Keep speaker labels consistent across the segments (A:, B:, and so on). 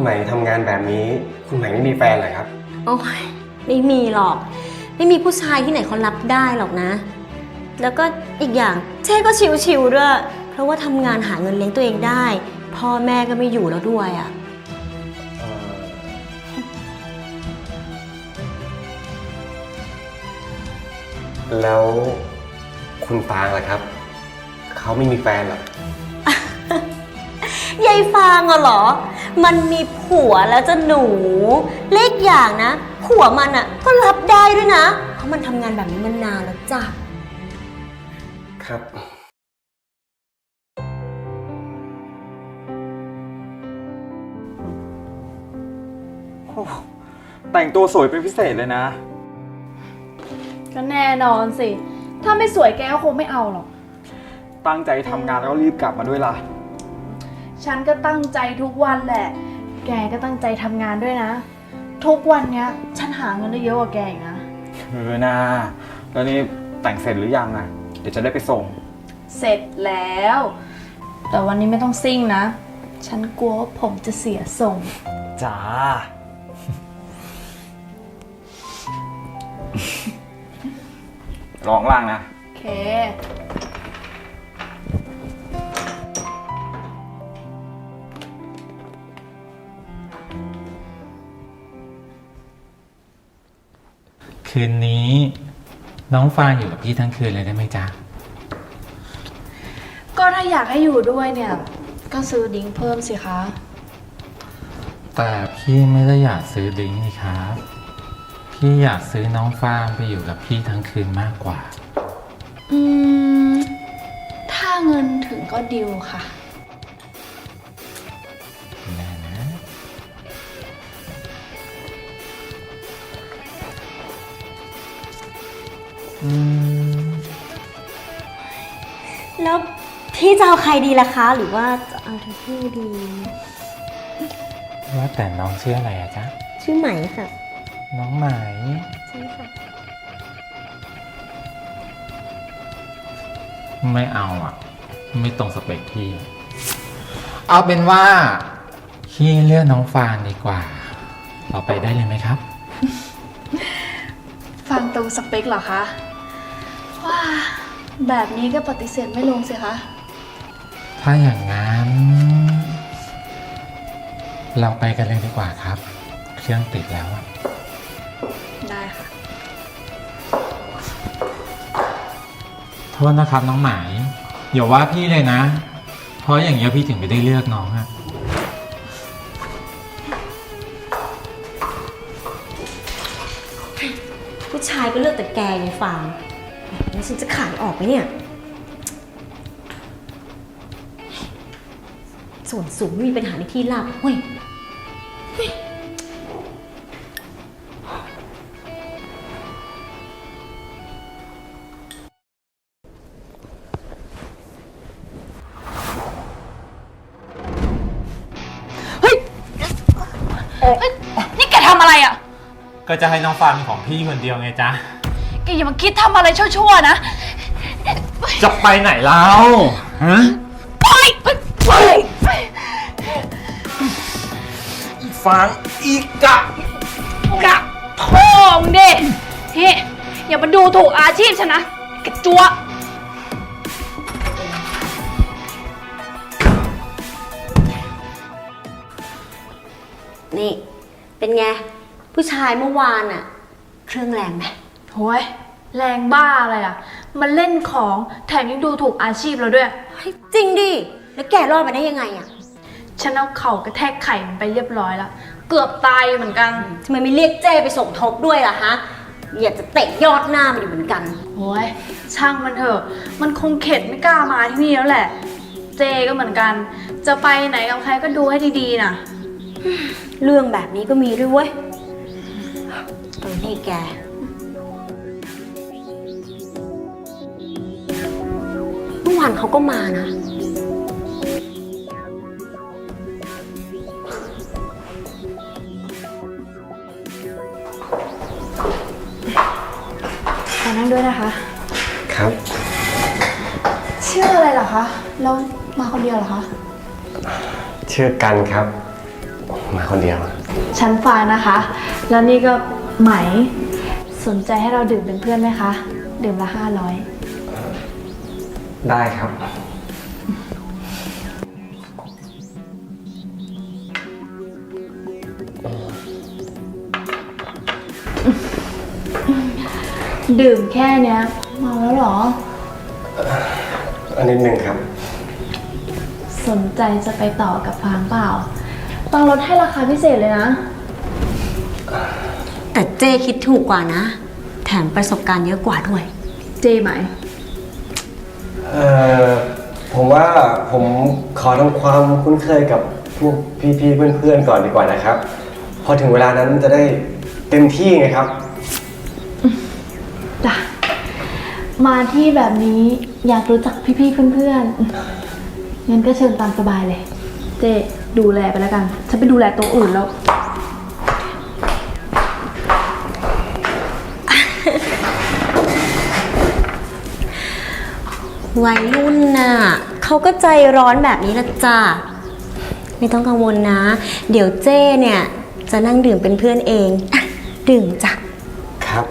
A: คุณใหม่ทำงานแบบนี้คุณใหม่ไม่มีแฟนเหรอครับ
B: โอ้ยไม่มีหรอกไม่มีผู้ชายที่ไหนเขารับได้หรอกนะ แล้วก็อีกอย่างเจ๊ก็ชิวๆด้วยเพราะว่าทำงานหาเงินเลี้ยงตัวเองได้พ่อแม่ก็ไม่อยู่แล้วด้วยอ่ะ
A: แล้วคุณฟางล่ะครับเขาไม่มีแฟนหรอ
B: ยายฟางเหรอมันมีผัวแล้วจะหนูเล็กอย่างนะผัวมันอ่ะก็รับได้ด้วยนะเพราะมันทำงานแบบนี้มานานแล้วจ้ะ
A: ครับ
C: แต่งตัวสวยเป็นพิเศษเลยนะ
D: ก็แน่นอนสิถ้าไม่สวยแกก็คงไม่เอาหรอก
C: ตั้งใจทำงานแล้วก็รีบกลับมาด้วยล่ะ
D: ฉันก็ตั้งใจทุกวันแหละแกก็ตั้งใจทำงานด้วยนะทุกวันเนี้ยฉันหาเงินได้เยอะกว่าแกอีกนะ
C: นะแล้วนี่แต่งเสร็จหรือยังอ่ะเดี๋ยวจะได้ไปส่ง
D: เสร็จแล้วแต่วันนี้ไม่ต้องซิ่งนะฉันกลัวว่าผมจะเสียทรง
C: จ้าลองล่างนะ
D: โอเค
E: คืนนี้น้องฟางอยู่กับพี่ทั้งคืนเลยได้ไหมจ๊ะ
D: ก็ถ้าอยากให้อยู่ด้วยเนี่ยก็ซื้อดิ้งเพิ่มสิคะ
E: แต่พี่ไม่ได้อยากซื้อดิ้งนี่ครับพี่อยากซื้อน้องฟางไปอยู่กับพี่ทั้งคืนมากกว่า
D: ถ้าเงินถึงก็ดิวค่ะ
E: แน่นะ
B: แล้วพี่จะเอาใครดีล่ะคะหรือว่าจะเอาทั้งคู่ดี
E: ว่าแต่น้องชื่ออะไรอะจ๊ะ
B: ชื่อไหมค่ะ
E: น้องไหม
B: ใช่ค่ะ
E: ไม่เอาอ่ะไม่ตรงสเปคพี่เอาเป็นว่าพี่เลือกน้องฟางดีกว่าต่อไปได้เลยไหมครับ
D: ฟังตรงสเปคเหรอคะว้าแบบนี้ก็ปฏิเสธไม่ลงสิคะ
E: ถ้าอย่างนั้นเราไปกันเลยดีกว่าครับเครื่องติดแล้ว
D: ได้ค่ะ
E: โทษนะครับน้องหมายอย่าว่าพี่เลยนะเพราะอย่างเงี้ยพี่ถึงไม่ได้เลือกน้องอะ
B: ผู้ชายก็เลือกแต่แกไงฟางแล้วฉันจะขายออกไหมเนี่ยส่วนสูงไม่มีปัญหาในที่ราบเฮ้ย
D: นี่แกทำอะไรอ่ะ
E: ก็จะให้น้องฟางเป็นของพี่คนเดียวไงจ๊ะ
D: แกอย่ามาคิดทำอะไรชั่วๆนะ
E: จะไปไหนแล้วฮะ
D: ไป
E: อีฟางอีกะ
D: โถ่มึงดิเฮ้อย่ามาดูถูกอาชีพฉันนะกระจัว
B: นี่เป็นไงผู้ชายเมื่อวานอะเครื่องแรงไหม
D: โห้ยแรงบ้าอะไรอ่ะมันเล่นของแถมยังดูถูกอาชีพเราด้วย
B: จริงดิแล้วแกรอดมาได้ยังไงอะ
D: ฉันเอาเข่ากระแทกไข่มันไปเรียบร้อยแล้วเกือบตายเหมือนกัน
B: ทำไมไม่เรียกเจ้ไปสมทบด้วยล่ะฮะอยากจะเตะยอดหน้ามันอยู่เหมือนกัน
D: โห้ยช่างมันเถอะมันคงเข็ดไม่กล้ามาที่นี่แล้วแหละเจก็เหมือนกันจะไปไหนกับใครก็ดูให้ดีๆนะ
B: เรื่องแบบนี้ก็มีด้วยเว้ยนี่แกเมื่อวานเขาก็มานะ
D: ขอนั่งด้วยนะคะ
A: ครับ
D: ชื่ออะไรเหรอคะแล้วมาคนเดียวเหรอคะ
A: ชื่อกันครับมาคนเดียว
D: ฉันฟางนะคะ แล้วนี่ก็ไหม สนใจให้เราดื่มเป็นเพื่อนไหมคะ ดื่มละ500
A: ได้ครับ
D: ดื่มแค่เนี้ยเมาแล้วเหรอ
A: อันนิดหนึ่งครับ
D: สนใจจะไปต่อกับฟางเปล่า ต้องลดให้ราคาพิเศษเลยนะ
B: แต่เจ้คิดถูกกว่านะ แถมประสบการณ์เยอะกว่าด้วย
D: เจไหม
A: ผมว่าผมขอทำความคุ้นเคยกับพวกพี่ๆเพื่อนๆก่อนดีกว่านะครับ พอถึงเวลานั้นจะได้เต็มที่ไงครับ
D: จ้ะ มาที่แบบนี้อยากรู้จักพี่ๆเพื่อนๆงั้นก็เชิญตามสบายเลย เจดูแลไปแล้วกัน ฉันไปดูแลตัวอื่นแล้ว
B: วัยรุ่นน่ะเขาก็ใจร้อนแบบนี้ละจ้าไม่ต้องกังวลนะ เดี๋ยวเจ้เนี่ยจะนั่งดื่มเป็นเพื่อนเองอ่ะดื่มจ้ะ
A: ครับ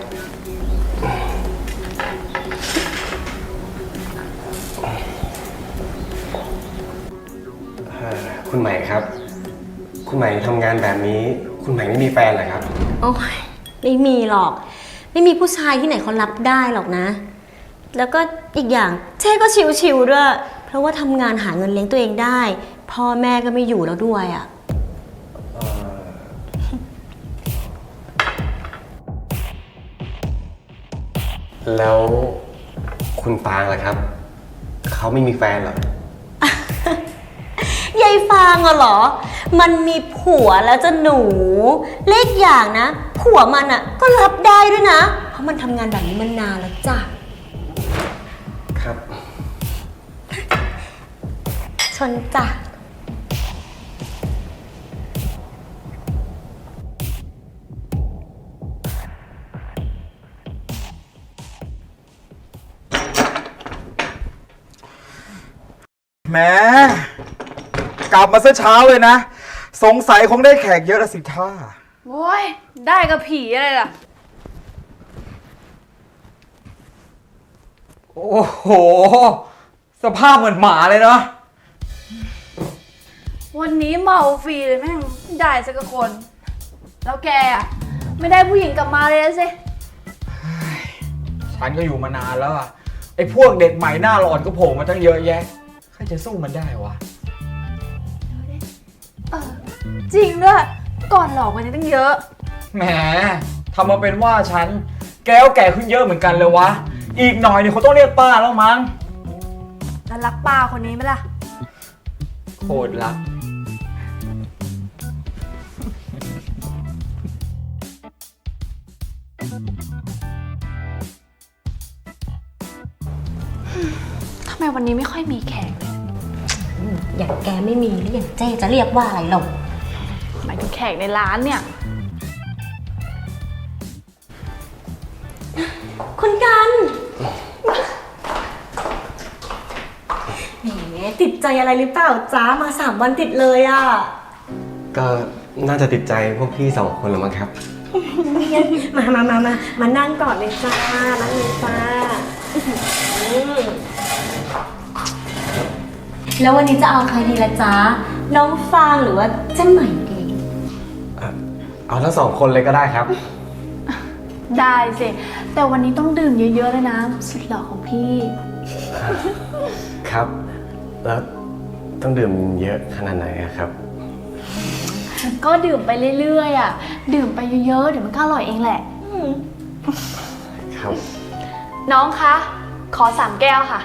A: คุณใหม่ครับ คุณใหม่ทำงานแบบนี้ คุณใหม่ไม่มีแฟนเหรอครับ
B: โอ้ยไม่มีหรอก ไม่มีผู้ชายที่ไหนเขารับได้หรอกนะ แล้วก็อีกอย่างเจ้ก็ชิวๆด้วย เพราะว่าทำงานหาเงินเลี้ยงตัวเองได้ พ่อแม่ก็ไม่อยู่แล้วด้วยอ่ะ
A: แล้วคุณปางล่ะครับ เขาไม่มีแฟนเหรอ
B: ยายฟางอะเหรอ มันมีผัวแล้วจะหนูเลขอย่างนะ ผัวมันอะก็รับได้ด้วยนะ เพราะมันทำงานแบบนี้มานานแล้วจ้ะ
A: ครับ
B: ชนจ้ะ
C: แหมกลับมาซะเช้าเลยนะ สงสัยคงได้แขกเยอะละสิท่า
D: โอ้ย ได้กับผีอะไรล่ะ
C: โอ้โห สภาพเหมือนหมาเลยเนาะ
D: วันนี้เมาฟรีเลยแม่งได้สักคน แล้วแกอะไม่ได้ผู้หญิงกลับมาเลยสิ
C: ฉันก็อยู่มานานแล้วอะไอ้พวกเด็กใหม่หน้าหลอนก็โผล่มาตั้งเยอะแยะใครจะสู้มันได้วะ
D: จริงด้วย ก่อนหลอกมันตั้งเยอะ
C: แหมทำมาเป็นว่าฉันแก้วแก่ขึ้นเยอะเหมือนกันเลยวะ อีกหน่อยเนี่ยเขาต้องเรียกป้าแล้วมั้ง
D: แล้วรักป้าคนนี้ไหมล่ะ
C: โคตรรัก
D: ทำไมวันนี้ไม่ค่อยมีแขกเลย
B: อย่างแกไม่มีแล้วอย่างเจ้จะเรียกว่าอะไรหรอก
D: หมายถึงแขกในร้านเนี่ย
B: คุณกันแหมติดใจอะไรหรือเปล่าจ้ามา3 วันติดเลยอ่ะ
A: ก็น่าจะติดใจพวกพี่2 คนแล้วมั้งครับ
B: มานั่งก่อนเลยจ้านั่งเลยจ้าแล้ววันนี้จะเอาใครดีละจ้าน้องฟางหรือว่าเจ้าใหม่ดี
A: เอาทั้ง2 คนเลยก็ได้ครับ
D: ได้สิ แต่วันนี้ต้องดื่มเยอะๆเลยนะ สุดหล่อของพี่
A: ครับ แล้วต้องดื่มเยอะขนาดไหนอะครับ
D: ก็ดื่มไปเรื่อยๆอ่ะ ดื่มไปเยอะๆ เดี๋ยวมันก็อร่อยเองแหละ
A: ครับ
D: น้องคะ ขอ3 แก้วค่ะ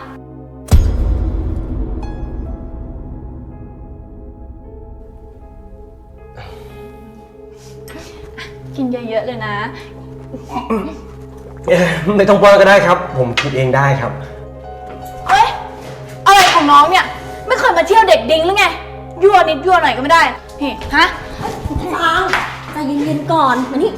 D: กินเยอะๆเลยนะ
A: ไม่ต้องป้อนก็ได้ครับ ผมคิดเองได้ครับ
D: เฮ้ย อะไรของน้องเนี่ย ไม่เคยมาเที่ยวเด็กดิ้งหรือไง ยั่วนิดยั่วหน่อยก็ไม่ได้เฮ้ฮะ
B: ฟางใจเย็นๆก่อนมานี่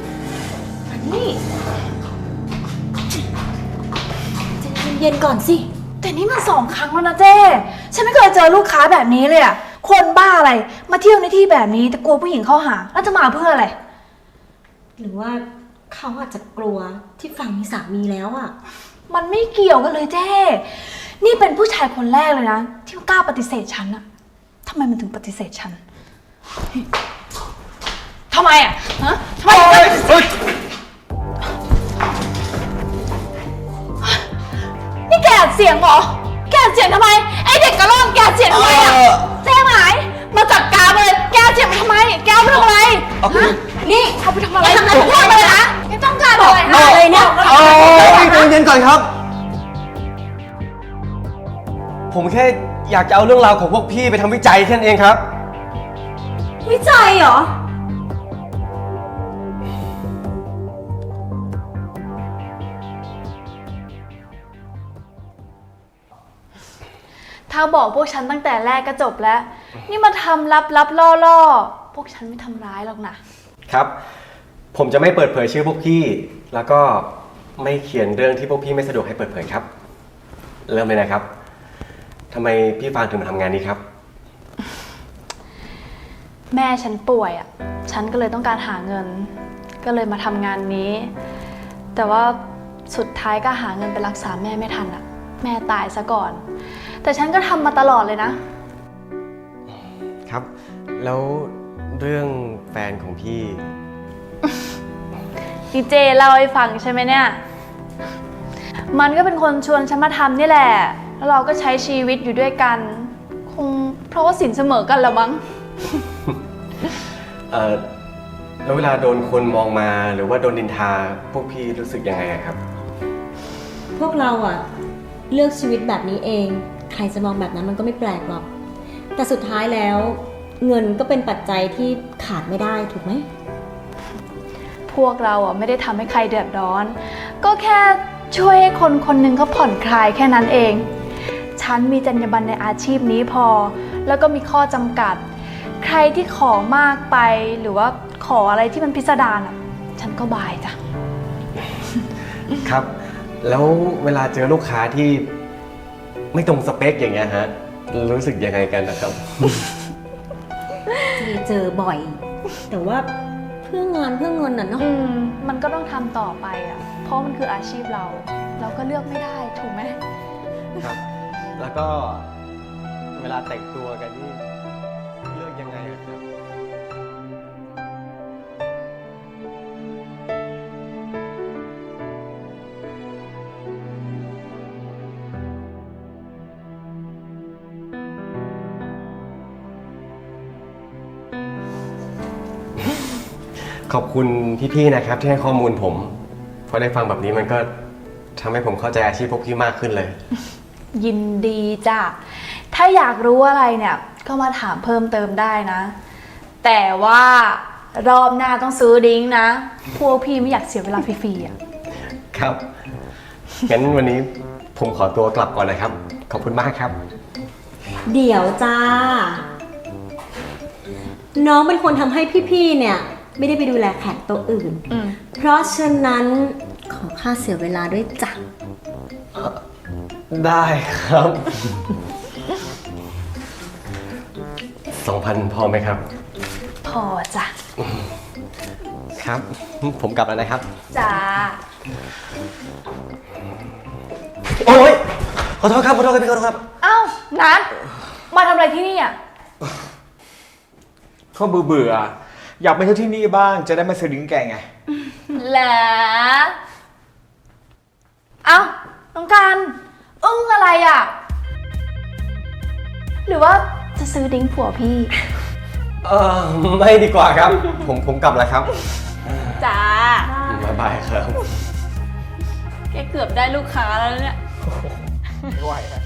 B: ใจเย็นๆก่อนสิ
D: แต่นี่มัน2 ครั้งแล้วนะเจ้ ฉันไม่เคยเจอลูกค้าแบบนี้เลยอ่ะคนบ้าอะไร มาเที่ยวในที่แบบนี้แต่กลัวผู้หญิงเข้าหา แล้วจะมาเพื่ออะไร
B: หรือว่าเขาอาจจะกลัวที่ฝั่งมีสามีแล้วอะ
D: มันไม่เกี่ยวกันเลยเจ้ นี่เป็นผู้ชายคนแรกเลยนะ ที่กล้าปฏิเสธฉันอะทำไมมันถึงปฏิเสธฉันทำไมอะฮะทำไมนี่แกอัดเสียงเหรอ แกอัดเสียงทำไม ไอเด็กกระล่อนแกอัดเสียงทำไมอะเจ๊หมายมาจัดการมาเลย แกอัดเสียงทำไม แกเอาไปทำอะไรฮะนี่เอาไปทำอะไรทำอะไรพูดมาเลยนะแกต้องการอะไรฮะเลยเนี่ย
A: ใจเย็นก่อนครับ ผมแค่อยากจะเอาเรื่องราวของพวกพี่ไปทำวิจัยแค่นั้นเองครับ
B: วิจัยเหรอ
D: ถ้าบอกพวกฉันตั้งแต่แรกก็จบแล้ว นี่มาทำลับล่อพวกฉันไม่ทำร้ายหรอกนะ
A: ครับ ผมจะไม่เปิดเผยชื่อพวกพี่ แล้วก็ไม่เขียนเรื่องที่พวกพี่ไม่สะดวกให้เปิดเผยครับ เริ่มเลยนะครับทำไมพี่ฟางถึงมาทำงานนี้ครับ
D: แม่ฉันป่วยอ่ะ ฉันก็เลยต้องการหาเงิน ก็เลยมาทำงานนี้ แต่ว่าสุดท้ายก็หาเงินไปรักษาแม่ไม่ทันอ่ะ แม่ตายซะก่อน แต่ฉันก็ทำมาตลอดเลยนะ
A: ครับ แล้วเรื่องแฟนของพี่
D: ดีเจเล่าให้ฟังใช่ไหมเนี่ย มันก็เป็นคนชวนฉันมาทำนี่แหละ แล้วเราก็ใช้ชีวิตอยู่ด้วยกัน คงเพราะว่าสินเสมอกันละมั้ง
A: แล้วเวลาโดนคนมองมาหรือว่าโดนดินทาพวกพี่รู้สึกยังไงอะครับ
B: พวกเราอะเลือกชีวิตแบบนี้เอง ใครจะมองแบบนั้นมันก็ไม่แปลกหรอก แต่สุดท้ายแล้ว เงินก็เป็นปัจจัยที่ขาดไม่ได้ถูกไหม
D: พวกเราอ่ะไม่ได้ทำให้ใครเดือดร้อน ก็แค่ช่วยให้คนคนหนึ่งเขาผ่อนคลายแค่นั้นเอง ฉันมีจรรยาบรรณในอาชีพนี้พอ แล้วก็มีข้อจำกัด ใครที่ขอมากไปหรือว่าขออะไรที่มันพิสดารอ่ะ ฉันก็บายจ้ะ
A: ครับ แล้วเวลาเจอลูกค้าที่ไม่ตรงสเปคอย่างเงี้ยฮะ รู้สึกยังไงกันนะครับ
B: เจอบ่อย แต่ว่าเพื่องานเพื่อเงินน่ะเนาะ
D: มันก็ต้องทำต่อไปอ่ะ เพราะมันคืออาชีพเรา เราก็เลือกไม่ได้ถูกไหม
A: ครับ แล้วก็เวลาแต่งตัวกันนี่เลือกยังไงอะครับ ขอบคุณพี่ๆนะครับที่ให้ข้อมูลผมพอได้ฟังแบบนี้มันก็ทำให้ผมเข้าใจอาชีพพวกพี่มากขึ้นเลย
D: ยินดีจ้ะ ถ้าอยากรู้อะไรเนี่ย ก็มาถามเพิ่มเติมได้นะ แต่ว่ารอบหน้าต้องซื้อดิ้งนะ พวกพี่ไม่อยากเสียเวลาฟรีๆอ่ะ
A: ครับ งั้นวันนี้ผมขอตัวกลับก่อนนะครับ ขอบคุณมากครับ
B: เดี๋ยวจ้า น้องเป็นคนทำให้พี่ๆ เนี่ย ไม่ได้ไปดูแลแขกโต๊ะอื่น เพราะฉะนั้นขอค่าเสียเวลาด้วยจ้ะ
A: ได้ครับ 2,000 พอไหมครับ
D: พอจ้ะ
A: ครับ ผมกลับแล้วนะครับ
D: จ้า
A: โอ๊ยขอโทษครับ ขอโทษครับพี่ขอโทษครับ
D: เอ้านัทมาทำอะไรที่นี่อ่ะ
C: เขาเบื่อๆอยากไปเที่ยวที่นี่บ้าง จะได้มาซื้อดิ้งแกไง
D: เหรอเอ้าน้องการอึ้งอะไรอ่ะ หรือว่าจะซื้อดิ้งผัวพี่
A: ไม่ดีกว่าครับ ผมกลับแล้วครับ
D: จ้า
A: บ๊ายบายครับ
D: แกเกือบได้ลูกค้าแล้วเนี่ย
C: ไม่ไหวนะ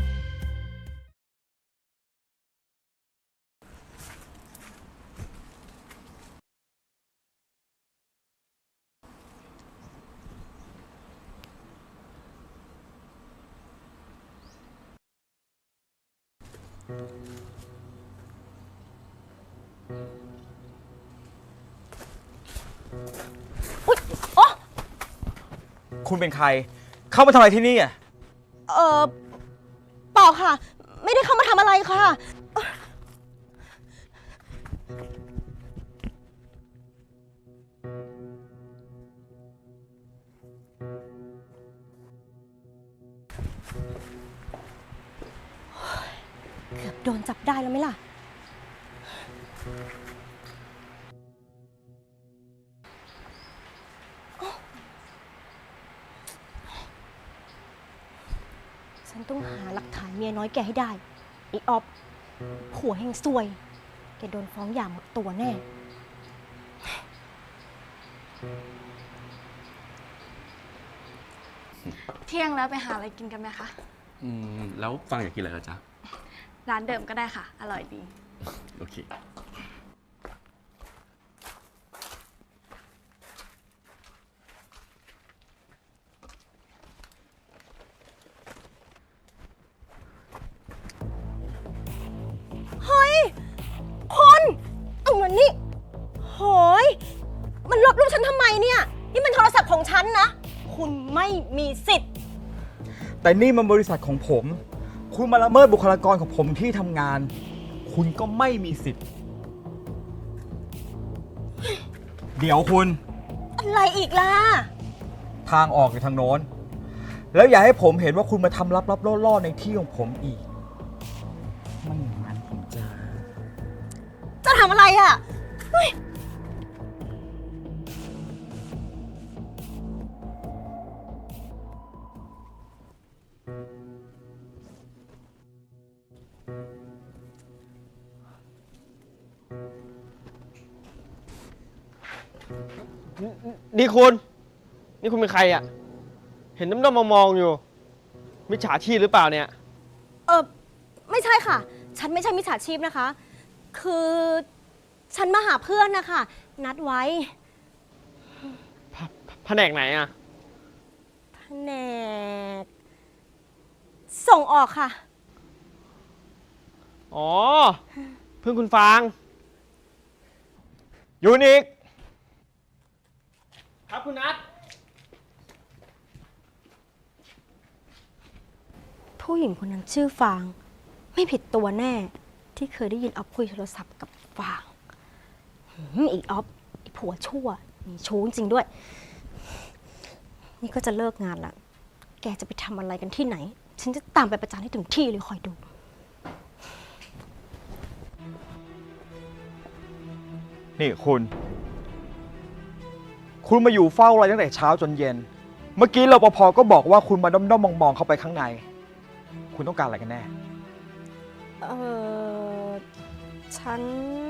C: คุณเป็นใคร เข้ามาทำอะไรที่นี่อ่ะ
B: เปล่าค่ะ ไม่ได้เข้ามาทำอะไรค่ะเกือบโดนจับได้แล้วไหมล่ะ ฉันต้องหาหลักฐานเมียน้อยแกให้ได้ไอ้ออฟผัวแห่งซวย แกโดนฟ้องหย่าหมดตัวแน่
D: เที่ยงแล้วไปหาอะไรกินกันไหมคะ
F: แล้วฟังอยากกินอะไรล่ะจ๊ะ
D: ร้านเดิมก็ได้ค่ะ อร่อยดี
F: โอเค
B: เฮ้ยคนเอาเงินนี่โหยมันลบรูปฉันทำไมเนี่ย นี่มันโทรศัพท์ของฉันนะ คุณไม่มีสิทธิ์
C: แต่นี่มันบริษัทของผม คุณมาละเมิดบุคลากรของผมที่ทำงาน คุณก็ไม่มีสิทธิ์ เดี๋ยวคุณ
B: อะไรอีกล่ะ
C: ทางออกอยู่ทางโน้น แล้วอย่าให้ผมเห็นว่าคุณมาทำลับๆล่อๆในที่ของผมอีก ไม่อย่างนั้นผมจะ
B: จะทำอะไรอ่ะเฮ้ย
G: นี่คุณ นี่คุณเป็นใครอ่ะ เห็นน้ำๆมองๆอยู่ มิจฉาชีพหรือเปล่าเนี่ย
B: ไม่ใช่ค่ะ ฉันไม่ใช่มิจฉาชีพนะคะ คือฉันมาหาเพื่อนนะคะ นัดไว้
G: แผนกไหนอ่ะ
B: แผนกส่งออกค่ะ
G: อ๋อ เพื่อนคุณฟางยูนิคครับคุณนัท
B: ผู้หญิงคนนั้นชื่อฟาง ไม่ผิดตัวแน่ ที่เคยได้ยินออฟคุยโทรศัพท์กับฟางอีออฟไอผัวชั่วมีชู้จริงด้วย นี่ก็จะเลิกงานละ แกจะไปทำอะไรกันที่ไหน ฉันจะตามไปประจานให้ถึงที่เลยคอยดู
C: นี่คุณมาอยู่เฝ้าอะไรตั้งแต่เช้าจนเย็น เมื่อกี้รปภก็บอกว่าคุณมาด้อมๆมองๆเข้าไปข้างใน คุณต้องการอะไรกันแน่
B: ฉัน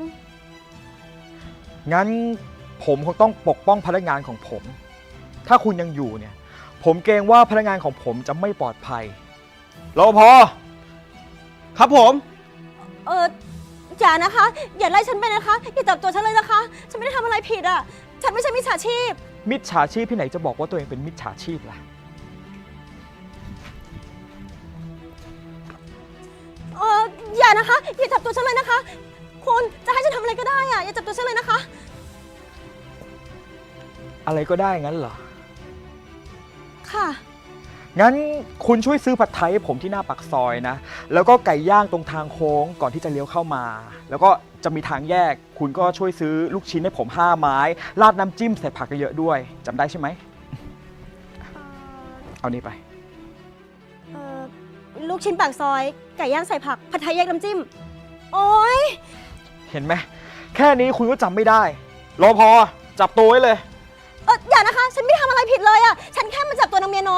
C: งั้นผมคงต้องปกป้องพนักงานของผม ถ้าคุณยังอยู่เนี่ย ผมเกรงว่าพนักงานของผมจะไม่ปลอดภัยรปภ
G: ครับผม
B: อย่านะคะ อย่าไล่ฉันไปนะคะ อย่าจับตัวฉันเลยนะคะ ฉันไม่ได้ทำอะไรผิดอ่ะ ฉันไม่ใช่มิจฉาชีพ
C: มิจฉาชีพที่ไหนจะบอกว่าตัวเองเป็นมิจฉาชีพล่ะ
B: อย่านะคะ อย่าจับตัวฉันเลยนะคะ คุณจะให้ฉันทำอะไรก็ได้อ่ะ อย่าจับตัวฉันเลยนะคะ
C: อะไรก็ได้งั้นเหรอ
B: ค่ะ
C: งั้นคุณช่วยซื้อผัดไทยให้ผมที่หน้าปากซอยนะ แล้วก็ไก่ย่างตรงทางโค้งก่อนที่จะเลี้ยวเข้ามา แล้วก็จะมีทางแยก คุณก็ช่วยซื้อลูกชิ้นให้ผม5 ไม้ ราดน้ำจิ้มใส่ผักเยอะๆด้วยจำได้ใช่ไหม เอานี่ไป
B: ลูกชิ้นปากซอย ไก่ย่างใส่ผัก ผัดไทยแยกน้ำจิ้ม โอ๊ย
C: เห็นไหม แค่นี้คุณก็จำไม่ได้รอพอจับตัวไว้เลย
B: อย่านะคะ ฉันไม่ได้ทำอะไรผิดเลยอ่ะ ฉันแค่มาจับตัวนางเมียน้อย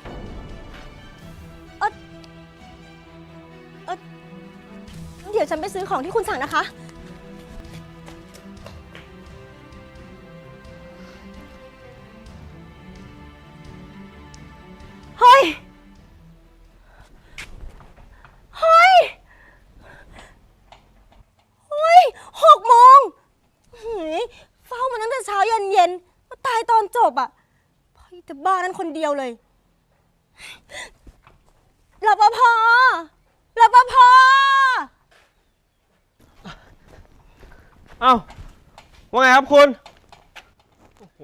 B: เดี๋ยวฉันไปซื้อของที่คุณสั่งนะคะ เฮ้ย เฮ้ย 6 โมงหืยเฝ้ามาตั้งแต่เช้ายันเย็นมาตายตอนจบอ่ะพ่อจะบ้านั้นคนเดียวเลยรปภ
G: เอ้า ว่าไงครับคุณ โอ้โห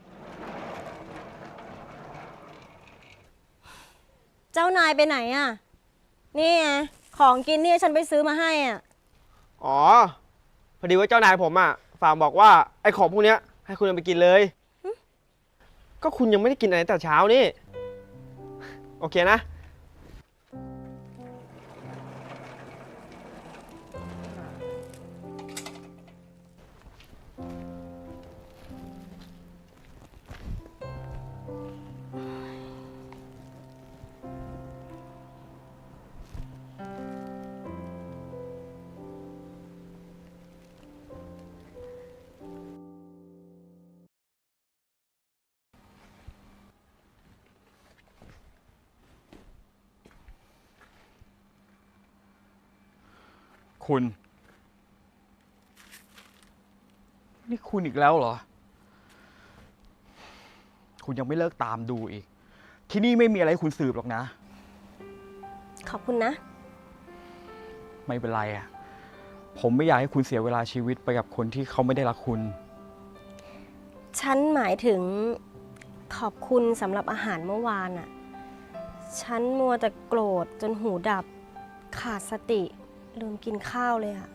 B: เจ้านายไปไหนอ่ะ นี่ไงของกินนี่ฉันไปซื้อมาให้อ่ะ
G: อ๋อ พอดีว่าเจ้านายผมอ่ะฝากบอกว่าไอ้ของพวกเนี้ยให้คุณเอาไปกินเลย ก็คุณยังไม่ได้กินอะไรตั้งแต่เช้านี่ โอเคนะ
C: คุณ นี่คุณอีกแล้วเหรอ คุณยังไม่เลิกตามดูอีก ที่นี่ไม่มีอะไรให้คุณสืบหรอกนะ
B: ขอบคุณนะ
C: ไม่เป็นไรอ่ะ ผมไม่อยากให้คุณเสียเวลาชีวิตไปกับคนที่เขาไม่ได้รักคุณ
B: ฉันหมายถึงขอบคุณสำหรับอาหารเมื่อวานอะฉันมัวแต่โกรธจนหูดับ ขาดสติ ลืมกินข้าวเลยอะ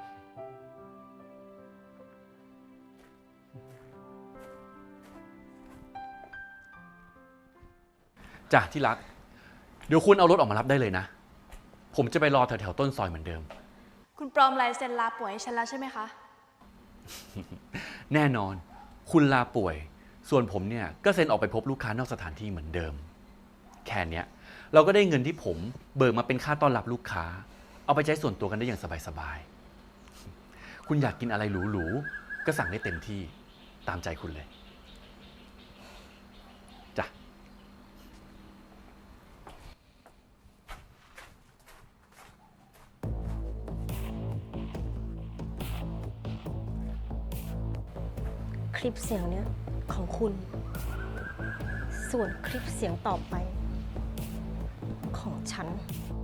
F: จ้ะที่รัก เดี๋ยวคุณเอารถออกมารับได้เลยนะ ผมจะไปรอแถวๆต้นซอยเหมือนเดิม
D: คุณปลอมลายเซ็นลาป่วยให้ฉันแล้วใช่ไหมคะ
F: แน่นอน คุณลาป่วย ส่วนผมเนี่ยก็เซ็นออกไปพบลูกค้านอกสถานที่เหมือนเดิม แค่เนี้ยเราก็ได้เงินที่ผมเบิกมาเป็นค่าต้อนรับลูกค้า เอาไปใช้ส่วนตัวกันได้อย่างสบายๆ คุณอยากกินอะไรหรูๆ ก็สั่งได้เต็มที่ ตามใจคุณเลย จ้ะ
B: คลิปเสียงเนี้ยของคุณ ส่วนคลิปเสียงต่อไป ของฉัน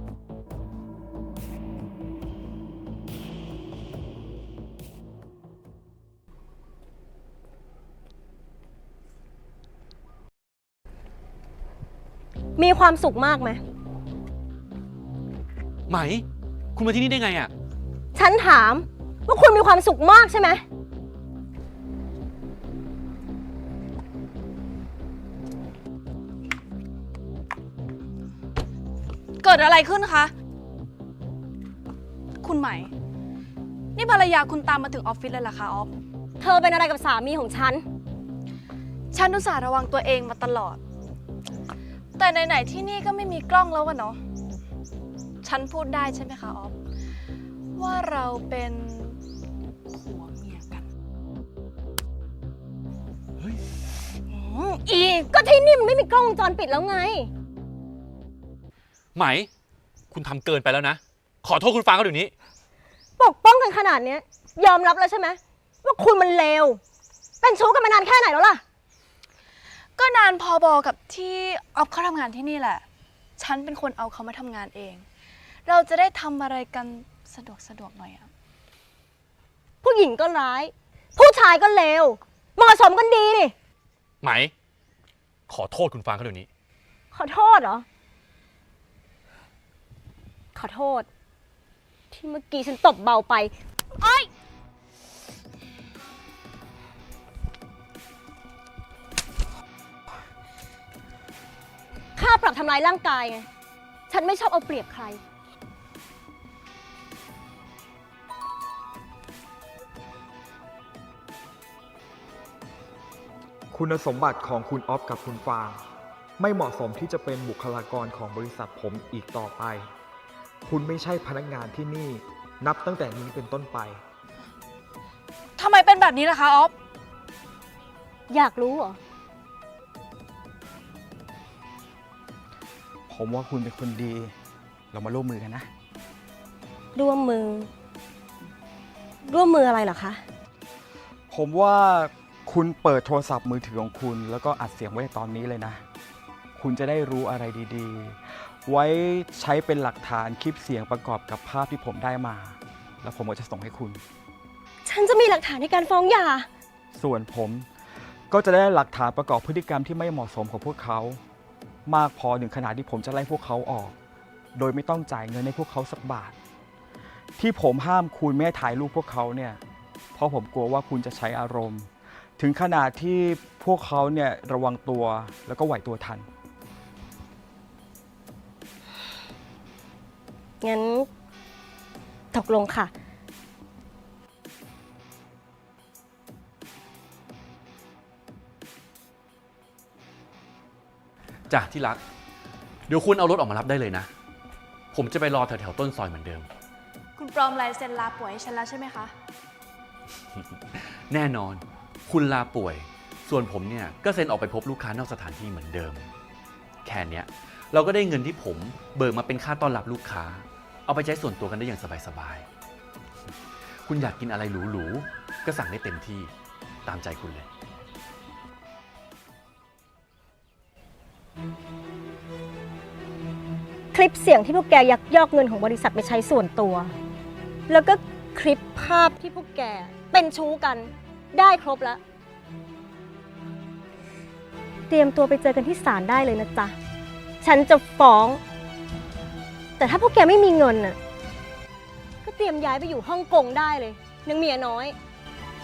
B: มีความสุขมากไหม
F: ไหม คุณมาที่นี่ได้ไงอะ
B: ฉันถามว่าคุณมีความสุขมากใช่ไหม
D: เกิดอะไรขึ้นคะ คุณไหม นี่ภรรยาคุณตามมาถึงออฟฟิศเลยเหรอคะออฟ
B: เธอเป็นอะไรกับสามีของฉัน
D: ฉันอุตส่าห์ระวังตัวเองมาตลอด แต่ไหนๆที่นี่ก็ไม่มีกล้องแล้วอะเนาะ ฉันพูดได้ใช่ไหมคะออฟ ว่าเราเป็นผัวเมียกัน
B: อีกก็ที่นี่มันไม่มีกล้องวงจรปิดแล้วไง
F: ไหม คุณทำเกินไปแล้วนะ ขอโทษคุณฟางเขาเดี๋ยวนี้
B: ปกป้องกันขนาดเนี้ยยอมรับแล้วใช่ไหมว่าคุณมันเลว เป็นชู้กันมานานแค่ไหนแล้วล่ะ
D: ก็นานพอบอกับที่ออฟเขาทำงานที่นี่แหละ ฉันเป็นคนเอาเขามาทำงานเอง เราจะได้ทำอะไรกันสะดวกหน่อยอะ
B: ผู้หญิงก็ร้าย ผู้ชายก็เลว เหมาะสมกันดีนี่
F: ไหม ขอโทษคุณฟางเขาเดี๋ยวนี้
B: ขอโทษเหรอ ขอโทษ ที่เมื่อกี้ฉันตบเบาไปโอ๊ยค่าปรับทำลายร่างกายไง ฉันไม่ชอบเอาเปรียบใคร
C: คุณสมบัติของคุณออฟกับคุณฟางไม่เหมาะสมที่จะเป็นบุคลากรของบริษัทผมอีกต่อไป คุณไม่ใช่พนักงานที่นี่ นับตั้งแต่นี้เป็นต้นไป
D: ทำไมเป็นแบบนี้ล่ะคะออฟ
B: อยากรู้เหรอ
C: ผมว่าคุณเป็นคนดี เรามาร่วมมือกันนะ
B: ร่วมมือ ร่วมมืออะไรเหรอคะ
C: ผมว่าคุณเปิดโทรศัพท์มือถือของคุณ แล้วก็อัดเสียงไว้ตอนนี้เลยนะ คุณจะได้รู้อะไรดีๆ ไว้ใช้เป็นหลักฐานคลิปเสียงประกอบกับภาพที่ผมได้มา แล้วผมก็จะส่งให้คุณ
B: ฉันจะมีหลักฐานในการฟ้องหย่า
C: ส่วนผมก็จะได้หลักฐานประกอบพฤติกรรมที่ไม่เหมาะสมของพวกเขา มากพอถึงขนาดที่ผมจะไล่พวกเขาออก โดยไม่ต้องจ่ายเงินให้พวกเขาสักบาท ที่ผมห้ามคุณไม่ให้ถ่ายรูปพวกเขาเนี่ย เพราะผมกลัวว่าคุณจะใช้อารมณ์ ถึงขนาดที่พวกเขาเนี่ยระวังตัวแล้วก็ไหวตัวทัน
B: งั้น ตกลงค่ะ
F: จ้ะที่รัก เดี๋ยวคุณเอารถออกมารับได้เลยนะ ผมจะไปรอแถวๆต้นซอยเหมือนเดิม
D: คุณปลอมลายเซ็นลาป่วยให้ฉันแล้วใช่ไหมคะ
F: แน่นอน คุณลาป่วย ส่วนผมเนี่ยก็เซ็นออกไปพบลูกค้านอกสถานที่เหมือนเดิม แค่เนี้ยเราก็ได้เงินที่ผมเบิกมาเป็นค่าต้อนรับลูกค้า เอาไปใช้ส่วนตัวกันได้อย่างสบายคุณอยากกินอะไรหรูๆก็สั่งได้เต็มที่ตามใจคุณเลย
B: คลิปเสียงที่พวกแกยักยอกเงินของบริษัทไปใช้ส่วนตัว แล้วก็คลิปภาพที่พวกแกเป็นชู้กันได้ครบแล้ว เตรียมตัวไปเจอกันที่ศาลได้เลยนะจ๊ะ ฉันจะฟ้อง แต่ถ้าพวกแกไม่มีเงินน่ะ ก็เตรียมย้ายไปอยู่ฮ่องกงได้เลยนางเมียน้อย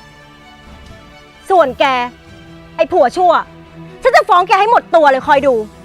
B: ส่วนแก ไอ้ผัวชั่ว ฉันจะฟ้องแกให้หมดตัวเลยคอยดู